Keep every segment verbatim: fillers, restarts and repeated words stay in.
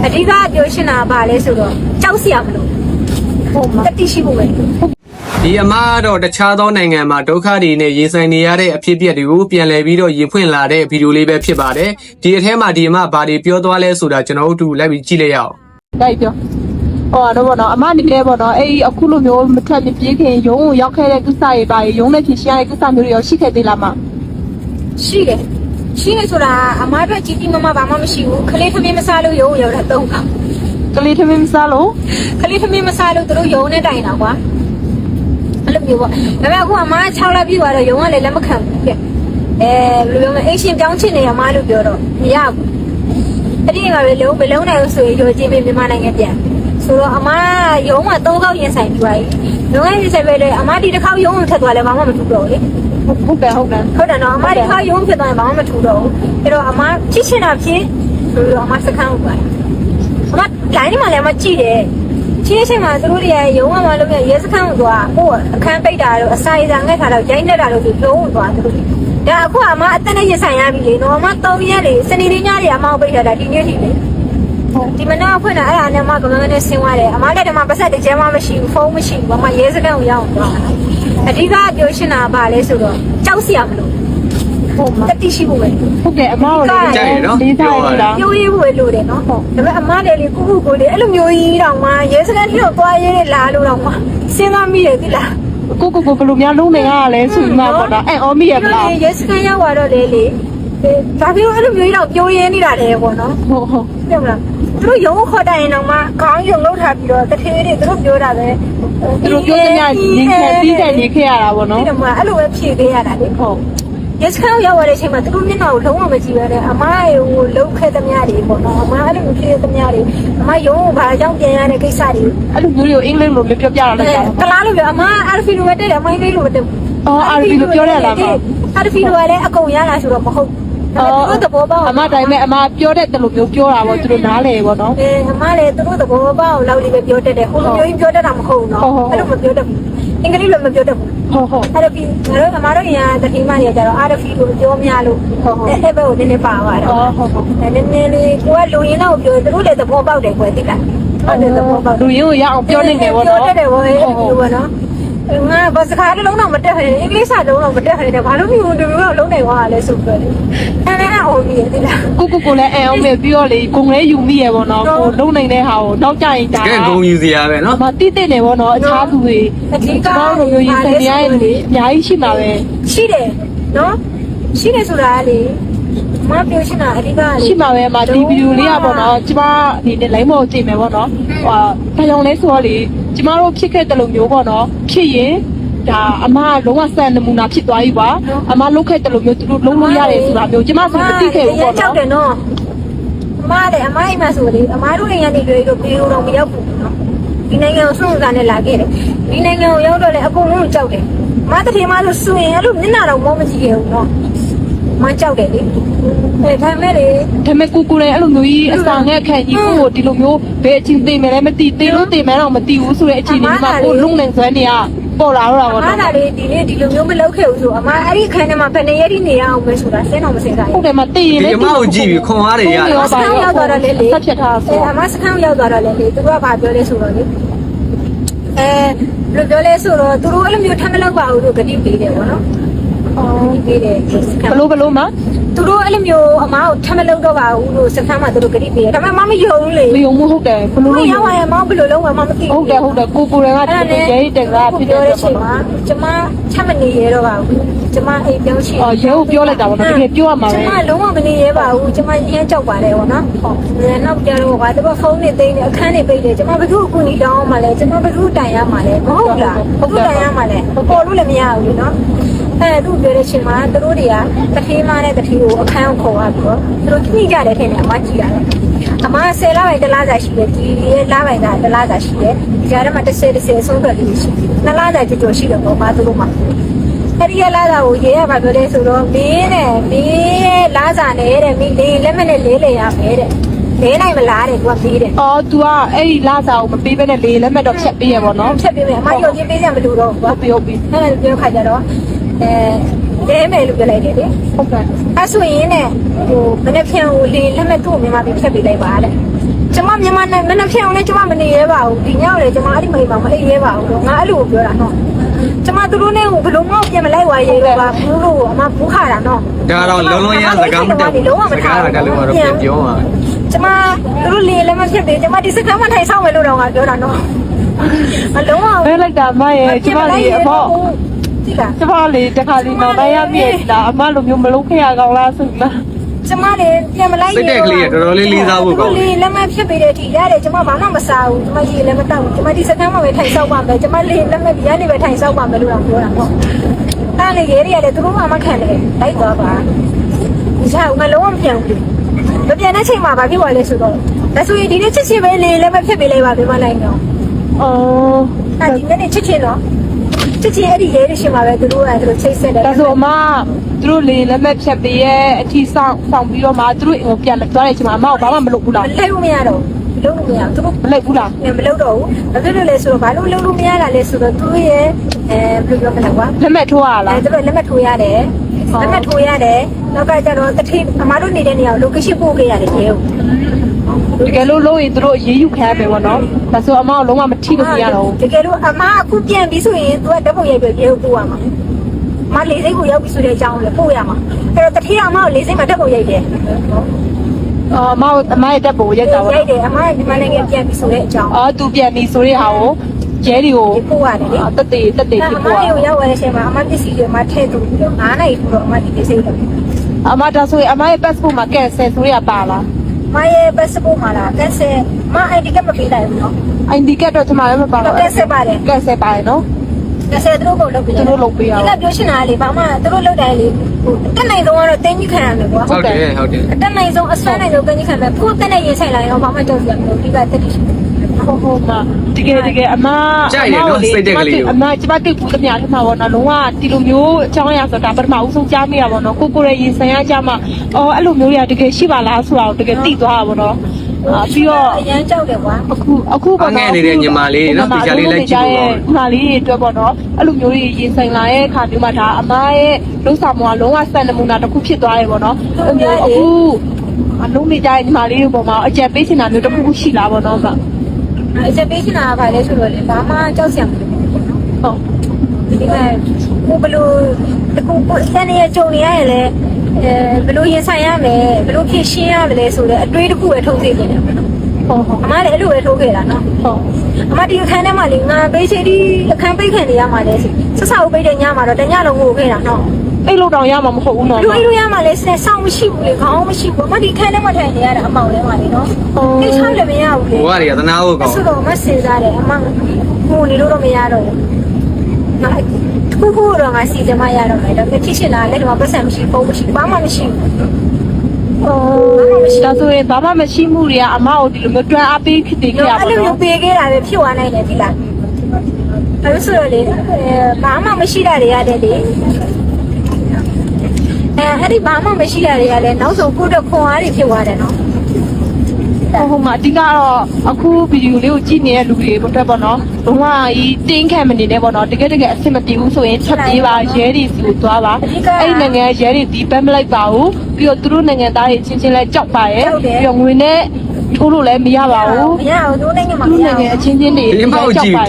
အဓိကပြောရှင်းတာပါလဲဆိုတော့ကြောက်စရာမလိုဟုတ်မှာတတိရှိဖို့ပဲဒီအမားတော့တခြားသောနိုင်ငံမှာဒုက္ခတွေနဲ့ရင်ဆိုင်နေရတဲ့အဖြစ်အပျက်တွေကိုပြန်လည်ပြီးတော့ရင်ဖွင့်လာတဲ့ဗီဒီယိုလေးပဲဖြစ်ပါတယ်ဒီအထဲမှာဒီအမဘာတွေပြောသွားလဲဆိုတာကျွန်တော်တို့လိုက်ပြီးကြည့်လိုက်ရအောင်တိုက်ပြောဟောတော့ဗောနော်အမအနေနဲ့ဗောနော်အဲ့ဒီအခုလိုမျိုးမထွက်ပြေးခင်ရုံးကိုရောက်ခဲ့တဲ့ကိစ္စတွေပါရုံးနဲ့ဖြစ်ရှင်းရတဲ့ကိစ္စမျိုးတွေရောရှိခဲ့သေးလားမရှိတယ်ရှိနေဆိုတာအမားတို့ကြီးကြီးမမဘာမှမရှိဘူးခလေးထမင်းမစားလို့ရုံးရောက်တာသုံးခါကလေးထမင်းမစားလို့ခလေးထမင်းမစားလို့သူတို့ရုံးနဲ့တိုင်တာကွာအဲ့လိုမျိုးပေါ့ဒါပေမဲ့အခုအမား၆လပြည့်သွားတော့ရုံးကလည်းလက်မခံဘူးကဲအဲဘယ်လိုလဲအရှင်ပြောင်းချင်နေရမလို့ပြောတော့မရဘူးအဲ့ဒီကလည်းလုံးမလုံးနိုင်ဘူးဆိုရင်ရောချင်းပြမြန်မာနိုင်ငံပြန်ဆိုတော့အမားရုံးမှာသုံးခေါက်ရင်ဆိုင်ပြီးသွားပြီရုံးကရင်ဆိုင်ပဲလေအမားဒီတစ်ခေါက်ရုံးကိုထက်သွားလဲဘာမှမထူတော့ဘူးလေဟုတ်တယ်ဟုတ်တယ်ဟုတ်တယ်နော်အမားဒီတစ်ခေါက်ရုံးဖြစ်သွားရင်ဘာမှမထူတော့ဘူးအဲ့တော့အမားချစ်ချင်တာဖြစ်ဆိုတော့အမားစခန်းကိုပါတယ်အမားလိုင်းထဲမှာလည်းမကြည့်တယ်ချင်းချင်းမှာသူတို့တွေရုံးကမှလုပ်ရရဲစခန်းကိုသွားဟိုအခန်းပိတ်တာတော့အစာရည်စာငှက်ထားတော့ရိုင်းနေတာလို့ဆိုလုံးဝသွားသူတို့ဒါအခုအမအသက်နဲ့ရဆိုင်ရပြီလေနော်အမသုံးရက်လေစနေနေ့ညတွေအမပိတ်ထားတာဒီနေ့ထိလေဒီမနာဖွင့်တာအဲ့ဒါနဲ့အမကမန်းနဲ့ဆင်းသွားတယ်အမလည်းဒီမှာပတ်သက်တကြမ်းမှမရှိဘူးဖုန်းမရှိဘူးအမရဲစခန်းကိုရောက်သွားအဓိကပြောရှင်းတာပါလဲဆိုတော့ကြောက်စရာမလိုဟုတ်မှာတတိရှိဖို့ပဲဟုတ်ကဲ့အမတို့လည်းကြိုက်ရနော်ပြောရတာပြောရေးဖို့လိုတယ်နော်ဟုတ်ဒါပေမဲ့အမလည်းလေကုကုကိုလေအဲ့လိုမျိုးကြီးတောင်မှရဲစခန်းထိတော့သွားရဲလာလို့တော့မှစဉ်းစားမိတယ်သိလားကိုကိုကိုဘယ်လိုများလုံးနေရလဲဆိုမှပေါ့နော်အဲ့အော်မီရမလားရဲစခန်းရောက်တော့လေလေဒါပြောအဲ့လိုမျိုးကြီးတော့ပြောရင်းနေတာတယ်ပေါ့နော်ဟုတ်ဟုတ်ပြောမလားသူတို့ရုံးခေါ်တိုင်ရင်တော့မှခေါင်းရုံလောက်ထားပြီးတော့တထေးတွေသူတို့ပြောတာပဲသူတို့ပြောတဲ့ညနေခဲ့ပြီးတဲ့နေခဲ့ရတာပေါ့နော်ဒီတော့မှအဲ့လိုပဲဖြေပေးရတာလေဟုတ်ရဲစခန်းရောက်ရတဲ့အချိန်မှာသူတို့မျက်နှာကိုလုံးဝမကြည့်ရတဲ့အမရေကိုလှုပ်ခဲ့သမျှတွေပေါ့နော်အမအဲ့လိုမျိုးဖြစ်သမျှတွေအမရုံးကိုဘာကြောင့်ပြန်ရတဲ့ကိစ္စတွေအဲ့လိုမျိုးတွေကိုအင်္ဂလိပ်လိုမျိုးပြောပြရတာကလားလို့ပြောအမအာရဖီလိုပဲတဲ့တယ်အမအင်္ဂလိပ်လိုပဲတဲ့အော်အာရဖီလိုပြောရလားမအာရဖီလိုလည်းအကုန်ရလာဆိုတော့မဟုတ်အော်သဘောပေါက်အမတိုင်းမဲ့အမပြောတဲ့တလူမျိုးပြောတာပေါ့သူတို့နားလေပေါ့နော်အဲအမလည်းသူတို့သဘောပေါက်လောက်လေးပဲပြောတတ်တယ်ဟိုလိုမျိုးကြီးပြောတတ်တာမဟုတ်ဘူးနော်အဲ့လိုမပြောတတ်ဘူးအင်္ဂလိပ်လိုမပြောတတ်ဘူးဟုတ်ဟုတ်အဲ့တော့ဒီငါတို့အမတို့ညာတတိမတွေကြတော့အာရဖီလိုပြောများလို့ဟုတ်ဟုတ်အဲ့ဘက်ကိုနည်းနည်းပါသွားတော့ဟုတ်ဟုတ်နည်းနည်းလေးကိုကလူရင်းတော့ပြောသူတို့လည်းသဘောပေါက်တယ်ကွယ်တိလားဟုတ်တယ်သဘောပေါက်လူရင်းကိုရအောင်ပြောနေတယ်ပေါ့နော်ပြောတတ်တယ်ပေါ့အဲ့လိုပေါ့နော်ငါဘာစကားလုံးတော့မတက်ခရင်အင်္ဂလိပ်စာလုံးတော့မတက်ခရင်ဘာလို့မျိုးဒီမျိုးလုံးနိုင်သွားလဲဆိုပြီးတော့အဲ့ဒါအော်ပြီးတိလားကိုကိုကိုလည်းအဲအောင်ပဲပြီးတော့လေဂုံလဲယူမိရပေါ့နော်ကိုလုံးနိုင်တဲ့ဟာကိုနောက်ကြရင်ဒါကဲဂုံယူစရာပဲနော်မတိတိနေပေါ့နော်အခြားသူတွေအဓိကတော့မျိုးယူဆိုင်ရရင်လေအများကြီးရှိမှာပဲရှိတယ်နော်ရှိတယ်ဆိုတာလေမပြောချင်တာအဓိကရှိမှာပဲမဒီဗီဒီယိုလေးอ่ะပေါ့နော်ကျမဒီနဲ့ line ပေါ်ကြည့်မယ်ပေါ့နော်ဟိုဘာကြောင့်လဲဆိုတော့လေကျမတို့ဖြစ်ခဲ့တဲ့လိုမျိုးပေါ့နော်ဖြစ်ရင်ဒါအမလုံးဝစံနမူနာဖြစ်သွားပြီပါအမလုတ်ခဲ့တဲ့လိုမျိုးသူတို့လုံးလို့ရတယ်ဆိုတာမျိုးကျမဆိုမသိခဲ့ဘူးပေါ့နော်ကြောက်တယ်နော်အမလည်းအမအိမ်မှာဆိုလေအမတို့နေရနေတွေတို့ပြေတော့မရောက်ဘူးနော်ဒီနိုင်ငံကိုဆုံးစားနဲ့လာခဲ့တယ်ဒီနိုင်ငံကိုရောက်တော့လေအကုန်လုံးကြောက်တယ်အမတတိမဆိုစွရင်အဲ့လိုမျက်နှာတော့မောမကြည့်ခဲ့ဘူးနော်မကြောက်တယ်လေအဲဒါမဲ့လေဒါမဲ့ကိုကိုလည်းအဲ့လိုမျိုးကြီးအစာငက်ခံကြီးကိုဒီလိုမျိုးဘယ်အချင်းသိမယ်လဲမသိသေးလို့သိမယ်တော့မသိဘူးဆိုတဲ့အချိန်นี้မှာကိုလုံနေစွမ်းနေရပေါ်လာတော့တာပေါ့နော်အမကလေဒီနေ့ဒီလိုမျိုးမလုပ်ခဲ့ဘူးဆိုအမအဲ့ဒီခန်းထဲမှာဘယ်နေရည်နေရအောင်ပဲဆိုတာစဉ်းတော့မစဉ်းစားဘူးဟုတ်တယ်မသိရင်လေဒီအမကိုကြည့်ပြီးခွန်အားတွေရတယ်စခန်းရောက်သွားတော့လေလေဆက်ဖြတ်ထားဆိုအမစခန်းရောက်သွားတော့လေလေသူကဘာပြောလဲဆိုတော့လေအဲဘယ်လိုပြောလဲဆိုတော့သူတို့အဲ့လိုမျိုးထမ်းမလောက်ပါဘူးလို့ဂတိပေးတယ်ပေါ့နော်အော်ပေးတယ်ဘလို့ဘလို့မသူတို့အဲ့လိုမျိုးအမကိုထမ်းမလောက်တော့ပါဘူးလို့စခန်းမှာသူတို့ဂတိပေးတယ်ဒါပေမဲ့မမယုံဘူးလေမယုံဘူးဟုတ်တယ်ဘလို့လို့ရောက်ရင်မဘယ်လိုလုံးဝမမသိဘူးဟုတ်တယ်ဟုတ်တယ်ကိုကိုတွေကတကယ်ရဲတက်ကဖြစ်တဲ့အချိန်မှာကျမချမ်းမနေရတော့ပါဘူးကျမအိမ်ပြောင်းရှိအော်ရဲကိုပြောလိုက်တာပေါ့နော်တကယ်ပြောရမှာပဲကျမလုံးဝမနေရပါဘူးကျမရမ်းကြောက်ပါတယ်ပေါ့နော်ဟုတ်နောက်ကြတော့ကွာတပတ်ဖုန်းနဲ့သိနေအခန်းနဲ့ပိတ်တယ်ကျမဘယ်သူ့အကူအညီတောင်းမှလဲကျမဘယ်သူ့တိုင်ရမှလဲမဟုတ်လားဘယ်သူ့တိုင်ရမှလဲပေါ်လို့လည်းမရဘူးနော်အဲသူပြောတဲ့အချိန်မှာသူတို့တွေကတထေးမနဲ့တထေးကိုအခန်းကိုခေါ်သွားပြီးတော့သူတို့ကြည့်ကြတယ်ထင်တယ်အမကြည့်ရတယ်အမဆယ်လပိုင်းတလားစာရှိတယ်ဒီရဲ့လပိုင်းကတလားစာရှိတယ်ဒီကြားထဲမှာတစ်ဆယ်တစ်ဆယ်ဆုံးတော့လေးရှိတယ်နှစ်လစာကြကြော်ရှိတယ်ပေါ့ပါသူတို့မှာအဲ့ဒီရဲ့လာစာကိုရေးရပါပြောတယ်ဆိုတော့မင်းနဲ့မင်းရဲ့လာစာနဲ့တဲ့မင်းလေးလက်မနဲ့လေးလေရမယ်တဲ့လေးနိုင်မလားတဲ့သူကပြီးတယ်အော် तू ကအဲ့ဒီလာစာကိုမပေးဘဲနဲ့လေးလက်မဲ့တော့ဖြတ်ပေးရပေါ့နော်ဖြတ်ပေးမယ်အမရုံချင်းပေးစရာမလိုတော့ဘူးပြောပြီးအဲ့ဒါပြောခါကြတော့အဲလဲမယ်လို့ပြောလိုက်တယ်လေဟုတ်ကဲ့အဲ့ဆိုရင်နဲ့ဟိုမနေ့ဖြန်ကိုလေးလက်မဲ့သူ့ကိုမြန်မာပြည်ဖြတ်ပေးလိုက်ပါတဲ့ကျမမနဲ့မနှက်ဖြောင်းလဲကျမမနေရဲပါဘူးဒီညောက်လေကျမအဲ့ဒီမိမှာမအိပ်ရဲပါဘူးငါအဲ့လိုပြောတာနော်ကျမသူတို့နဲ့ဘယ်လိုမှပြန်မလိုက်ဝါရဲတော့ပါဘူးလို့အမဘူးခါတာနော်ဒါတော့လုံးလုံးရစကားမတက်ဘူးစကားကလည်းတော့ပြန်ပြောပါကျမသူတို့လေလည်းမဖြစ်သေးကျမဒီစကားမှထိုင်ဆောင်မယ်လို့တော့ငါပြောတာနော်အလုံးဝဘယ်လိုက်တာမရဲ့ကျမလေးအဖေကျမလေးတခါလေးတော့မရမြည့်တာအမလိုမျိုးမလုံးခရကောင်းလားဆိုလားကျမလည်းပြန်မလိုက်လေလက်မဖြစ်ပေးတဲ့ဒီရတယ်ကျမဘာမှမစားဘူးကျမရေလည်းမတောက်ဘူးကျမဒီစကားမှပဲထိုင်ဆောင်ပါမယ်ကျမလေလက်မဒီကနေပဲထိုင်ဆောင်ပါမယ်လို့တော့ပြောတာပေါ့တားလေရေရတယ်သူတို့မှမခံတယ်လိုက်သွားပါဒီချောင်းငါလုံးဝမပြန်ဘူးမပြန်တဲ့ချိန်မှာဘာဖြစ်သွားလဲဆိုတော့ဒါဆိုရင်ဒီနေ့ချစ်ချစ်ပဲလေလက်မဖြစ်ပေးလိုက်ပါပြန်မလိုက်တော့အော်အဲ့ဒီနေ့ချစ်ချစ်တော့ချစ်ချစ်အဲ့ဒီရဲရရှိမှာပဲသူတို့ကသူတို့ချိတ်ဆက်တယ်ဒါဆိုအမသူတို့လေလက်မဲ့ဖြတ်ပေးရဲ့အထီဆောင်ဆောင်ပြီးတော့မှသူတို့ဟိုပြန်သွားတဲ့အချိန်မှာအမကဘာမှမလုပ်ဘူးလားမလဲဘူးမရတော့လုံးလို့မရသူတို့မလိုက်ဘူးလားမလုပ်တော့ဘူးဘာဖြစ်လို့လဲဆိုတော့ဘာလို့လုံးလို့မရတာလဲဆိုတော့သူတို့ရဲ့အဲဘယ်လိုပြောမလဲကွာလက်မဲ့ထိုးရလားအဲသူတို့လက်မှတ်ထိုးရတယ်လက်မှတ်ထိုးရတယ်နောက်ကကျတော့တတိအမားတို့နေတဲ့နေရာကို location ပို့ခဲ့ရတယ်ရေကိုတကယ်လို့လို့ရင်သူတို့အေးအေးယူခံရမယ်ပေါ့နော်ဒါဆိုအမကလုံးဝမထိလို့မရတော့ဘူးတကယ်လို့အမားအခုပြန်ပြီးဆိုရင်သူကဓာတ်ပုံရိုက်ပြီးရေကိုပို့ရမှာမလေးစိတ်ကိုရောက်ပြီဆိုတဲ့အကြောင်းလည်းပို့ရမှာအဲ့တော့တတိအမားကိုလေးစိတ်မှာဓာတ်ပုံရိုက်တယ်အော်အမအမရဲ့တက်ဖို့ရက်တာပေါ့ရိုက်တယ်အမားဒီမနိုင်ငံပြန်ပြီဆိုတဲ့အကြောင်းအော်သူပြန်ပြီဆိုတဲ့ဟာကိုကျဲတွေကိုပို့ရတယ်လေတက်တေတက်တေအဖြစ်မားပေါ်ကိုရောက်ရတဲ့အချိန်မှာအမားပစ္စည်းတွေမှာထည့်သူပြီးတော့ငါးနိုင်ပြီးတော့အမားဒီပစ္စည်းတွေအမဒါဆိုရင်အမရဲ့ passport မှာ cancel ဆိုရပါလားမရဲ့ passport မှာလားကက်ဆယ်မ ไอ ดี ကမပေးလိုက်ဘူးနော် id card တော့ကျွန်မလည်းမပါဘူးကက်ဆယ်ပါတယ် cancel ပါတယ်နော်ကက်ဆယ်သူတို့ကိုလုပ်ပေးတယ်သူတို့လုပ်ပေးရအောင်ဒီကပြောချင်တာလေဘာမှသူတို့လုပ်တယ်လေဟိုတက်နိုင်ဆုံးကတော့တင်းကြီးခံရမယ်ကွာဟုတ်တယ်ဟုတ်တယ်အတက်နိုင်ဆုံးအစွမ်းနိုင်ဆုံးတင်းကြီးခံမယ်ကိုယ်တက်နေရင်ဆိုင်လာရင်ဘာမှကြောက်စရာမလိုဒီကတက်တယ်ဟုတ်ဟုတ်ပါတကယ်တကယ်အမအမကျမတွေ့ဘူးတမရထမှာပေါ့နော်လုံးဝဒီလိုမျိုးအကြောင်းအရာဆိုတာပထမဦးဆုံးကြားမိရပါတော့ကိုကိုရဲ့ရင်ဆိုင်ရကြမှာအော်အဲ့လိုမျိုးတွေကတကယ်ရှိပါလားဆိုတာကိုတကယ်သိသွားတာပေါ့နော်အာပြီးတော့အရန်ကြောက်တယ်ကွာအခုအခုပေါ့နော်ညီမလေးအတွက်ပေါ့နော်အဲ့လိုမျိုးကြီးရင်ဆိုင်လာရဲ့အခါမျိုးမှာဒါအမရဲ့လုံးဆောင်မှာလုံးဝစံနမူနာတစ်ခုဖြစ်သွားတယ်ပေါ့နော်အဲ့မျိုးအခုအလုံးနေကြတဲ့ညီမလေးတွေပေါ်မှာအကြက်ပေးချင်တာမျိုးတစ်ခုခုရှိလားပေါ့နော်ဗျအချက်ပေးချင်တာကဘာလဲဆိုတော့လေဘာမှကြောက်စရာမလိုဘူးပေါ့နော်ဟုတ်ဒီမဲ့ကိုဘလို့တကူကိုစနေရကြုံနေရရင်လေအဲဘလို့ရင်ဆိုင်ရမယ်ဘလို့ဖြည့်ရှင်းရမလဲဆိုတော့အတွေးတစ်ခုပဲထုတ်စေတယ်ပေါ့နော်ဟုတ်ဟုတ်အမလည်းအဲ့လိုပဲထိုးခဲ့တာနော်ဟုတ်အမဒီအခန်းထဲမှာလေငါပေးချီဒီအခန်းပိတ်ခံနေရမှာလေဆက်ဆောက်ပိတ်တဲ့ညမှာတော့တညလုံးငိုခဲ့တာနော်အဲ့လိုတောင်ရမှာမဟုတ်ဘူးနော်လူအိလူရမှာလေစနေဆောင်းမရှိဘူးလေခေါင်းမရှိဘူးအမဒီအခန်းထဲမှာထိုင်နေရတာအမောင်ထဲမှာလေနော်တိတ်ချောင်းလည်းမရဘူးလေဘဝတွေကသနာဖို့ကောင်းဆိုတော့မစင်စားတယ်အမငိုနေလို့တော့မရတော့ဘူးငါခုခုတော့ငါစီတယ်မရတော့မယ်ဒါပေမဲ့ဖြစ်ရှင်လာလက်တော့ပတ်စံမရှိပုံမရှိဘာမှမရှိဘူးအော်ဒါဆိုရင်ဘာမှမရှိမှုတွေကအမကိုဒီလိုမျိုးတွန်းအားပေးဖြစ်နေကြရပါအဲ့လိုတော့မျိုးပေးခဲ့တာပဲဖြစ်သွားနိုင်တယ်ဒီလားအဲ့လိုဆိုတော့လေဘာမှမရှိတာတွေရတယ်လေအဲအဲ့ဒီဘာမှမရှိတာတွေရတယ်နောက်ဆုံးကိုတော့ခွန်အားတွေဖြစ်သွားတယ်နော်ဟိုမှာအဓိကတော့အခုဗီဒီယိုလေးကိုကြည့်နေတဲ့လူတွေအတွက်ပေါ့နော်ဘဝကြီးတင်းခံမနေနဲ့ပေါ့နော်တကယ်တကယ်အဆင်မပြေဘူးဆိုရင်ချက်ပြေးပါရဲတွေစီကိုသွားပါအဲ့ဒီနိုင်ငံရဲတွေဒီဘက်မလိုက်ပါဘူးပြီးတော့သူတို့နိုင်ငံသားတွေချင်းချင်းလဲကြောက်ပါရဲ့ပြီးတော့ငွေနဲ့ထိုးလို့လည်းမရပါဘူးမရဘူးတို့နိုင်ငံမှာသူမတို့ရနိုင်ငံဘူးအချင်းချင်းတွေရန်ကောင်းပါရဲ့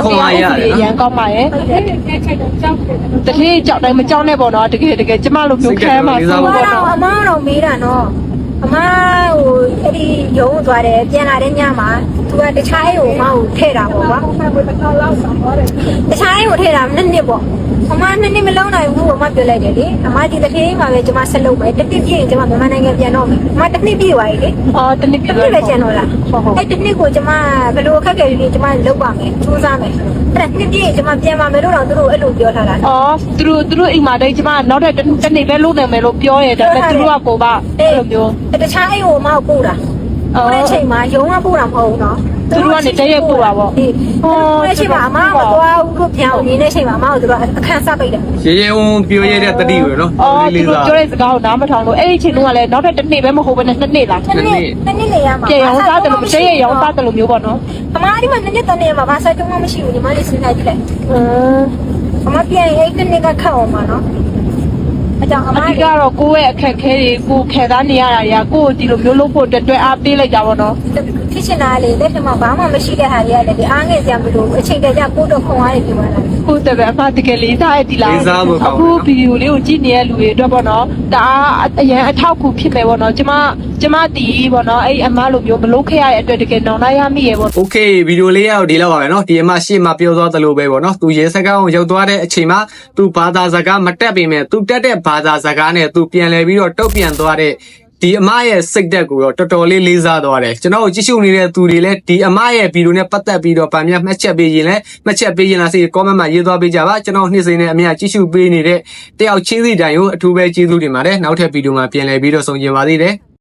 တတိယကြောက်တိုင်းမကြောက်နဲ့ပေါ့နော်တကယ်တကယ်ကျမလိုမျိုးခဲမှာဆိုအမပေါ့တော့နော်အမတော့မေးတာနော်အမဟိုအဲ့ဒီရုံးသွားတယ်ပြန်လာတဲ့ညမှာသူကတခြားအိမ်ကိုအမကိုထည့်တာပေါ့ကွာတခြားအိမ်ကိုထည့်တာနှစ်နှစ်ပေါ့အမနှစ်နှစ်မလုံးနိုင်ဘူးအမပြောလိုက်တယ်လေအမဒီတစ်ခေတ်မှာပဲကျွန်မဆက်လုပ်မယ်တစ်နှစ်ပြည့်ရင်ကျွန်မမြန်မာနိုင်ငံပြန်တော့မယ်အမတစ်နှစ်ပြည့်သွားပြီလေအော်တနည်းပြတစ်နှစ်ပဲကျန်တော့လားအဲ့တစ်နှစ်ကိုကျွန်မဘယ်လိုအခက်အခဲတွေကျွန်မလုပ်ပါမယ်စူးစမ်းမယ်အဲ့နှစ်ပြည့်ကျွန်မပြန်ပါမယ်လို့တော့သူတို့အဲ့လိုပြောထားတာအော်သူတို့သူတို့အိမ်မှာတိတ်ကျမနောက်ထပ်တစ်နေ့ပဲလုပ်နိုင်မယ်လို့ပြောရတယ်ဒါပေမဲ့သူတို့ကကိုကအဲ့လိုမျိုးတခြားအိမ်ကိုအမကိုပို့တာပို့တဲ့အချိန်မှာရုံးကပို့တာမဟုတ်ဘူးနော်သူတို့ကနေတရက်ပို့တာပေါ့ဟိုအဲ့ချိန်မှာအမမသွားဘူးလို့ပြောင်းနေတဲ့အချိန်မှာအမကိုသူတို့အခန်းစားပိတ်တယ်ရေရေဝုံပြောရတဲ့တတိကိုနော်အော်သူတို့ပြောတဲ့စကားကိုနားမထောင်လို့အဲ့ဒီအချိန်တုန်းကလည်းနောက်ထပ်တစ်နေ့ပဲမဟုတ်ဘဲနဲ့နှစ်နှစ်လားတစ်နေ့တစ်နေ့နေရမှာပြေအောင်စားတယ်လို့တရက်ရောင်းစားတယ်လို့မျိုးပေါ့နော်အမဒီမှာနှစ်နှစ်တနေ့မှာဘာစားတုံးမှမရှိဘူးညီမလေးစဉ်းစားကြည့်လိုက်အင်းအမပြန်ရင်အဲ့တစ်နေ့ကခတ်အောင်ပါနော်အကြောင်းအမအဓိကတော့ကိုယ့်ရဲ့အခက်ခဲတွေကိုခံစားနေရတာတွေကကိုယ့်ကိုဒီလိုမျိုးလုပ်ဖို့အတွက်တွဲအားပေးလိုက်တာပေါ့နော်ဒဖြစ်ချင်တာလေလက်ထက်မှာဘာမှမရှိတဲ့ဟာတွေကလည်းဒီအားငယ်စရာမလိုဘူးအချိန်တည်းကျပို့တော့ခွန်အားတွေပြပါလားဟုတ်တယ်ပဲအဖတကယ်လေးစားရည်ဒီလားလေးစားဖို့ကောင်းတယ်အခုဗီဒီယိုလေးကိုကြည့်နေတဲ့လူတွေအတွက်ပေါ့နော်ဒါအရင်အထောက်အကူဖြစ်မယ်ပေါ့နော်ကျမကျမတီးပေါ့နော်အဲ့အမလိုမျိုးမလုပ်ခဲ့ရတဲ့အတွက်တကယ်နောင်လာရမိရေပေါ့โอเคဗီဒီယိုလေးရောက်ဒီလောက်ပါပဲเนาะဒီအမရှေ့မှာပြောသွားသလိုပဲပေါ့เนาะသူရေစကားကိုရောက်သွားတဲ့အချိန်မှာသူဘာသာစကားမတက်ပေမဲ့သူတက်တဲ့ဘာသာစကားနဲ့သူပြန်လဲပြီးတော့တုတ်ပြန်သွားတဲ့ဒီအမရဲ့စိတ်သက်ကိုတော့တော်တော်လေးလေးစားသွားတယ်ကျွန်တော်တို့ကြည့်ရှုနေတဲ့သူတွေလည်းဒီအမရဲ့ဗီဒီယိုနဲ့ပတ်သက်ပြီးတော့ဗာမြတ်မှတ်ချက်ပေးရင်လည်းမှတ်ချက်ပေးရင်လားစိတ် comment မှာရေးသွားပေးကြပါကျွန်တော်နှစ်စိနဲ့အမြတ်ကြည့်ရှုပေးနေတဲ့တယောက်ချင်းစီတိုင်းကိုအထူးပဲကျေးဇူးတင်ပါတယ်နောက်ထပ်ဗီဒီယိုမှာပြန်လည်ပြီးတော့ဆုံကျင်ပါသေးတယ်